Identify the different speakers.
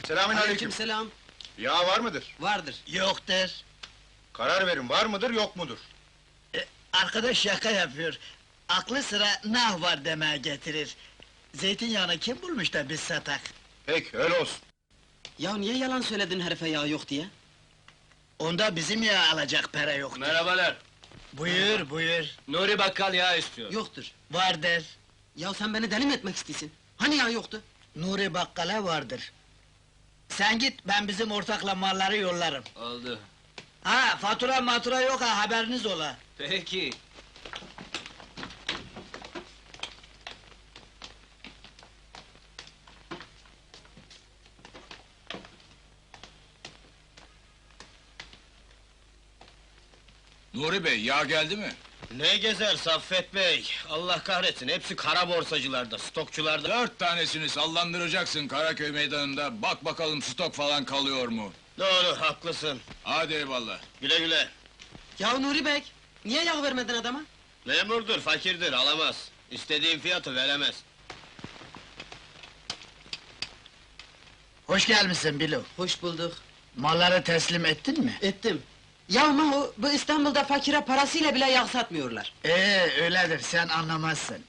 Speaker 1: Selamünaleyküm.
Speaker 2: Aleykümselam.
Speaker 1: Yağ var mıdır?
Speaker 2: Vardır.
Speaker 3: Yoktur.
Speaker 1: Karar verin, var mıdır, yok mudur?
Speaker 3: Arkadaş şaka yapıyor. Aklı sıra nah var demeye getirir. Zeytinyağını kim bulmuş da biz satak?
Speaker 1: Peki, öyle olsun.
Speaker 2: Ya niye yalan söyledin herife yağ yok diye?
Speaker 3: Onda bizim yağ alacak para yok.
Speaker 4: Merhabalar.
Speaker 3: Buyur, buyur.
Speaker 4: Nuri Bakkal yağ istiyor.
Speaker 2: Yoktur.
Speaker 3: Vardır.
Speaker 2: Ya sen beni deli mi etmek istiyorsun? Hani yağ yoktu?
Speaker 3: Nuri Bakkal'a vardır. Sen git, ben bizim ortakla malları yollarım.
Speaker 4: Oldu.
Speaker 3: Ha, fatura yok ha, haberiniz ola.
Speaker 4: Peki.
Speaker 5: Nuri Bey, yağ geldi mi?
Speaker 4: Ne gezer Saffet Bey? Allah kahretsin, hepsi kara borsacılarda, stokçularda.
Speaker 5: 4 tanesini sallandıracaksın Karaköy meydanında, bak bakalım stok falan kalıyor mu?
Speaker 4: Doğru, haklısın.
Speaker 5: Hadi eyvallah.
Speaker 4: Güle güle.
Speaker 2: Ya Nuri Bey, niye yağ vermedin adama?
Speaker 4: Memurdur, fakirdir, alamaz. İstediğin fiyatı veremez.
Speaker 3: Hoş gelmişsin Bilo.
Speaker 2: Hoş bulduk.
Speaker 3: Malları teslim ettin mi?
Speaker 2: Ettim. Ya Mahu, bu İstanbul'da fakire parasıyla bile yağ satmıyorlar.
Speaker 3: Öyledir, sen anlamazsın.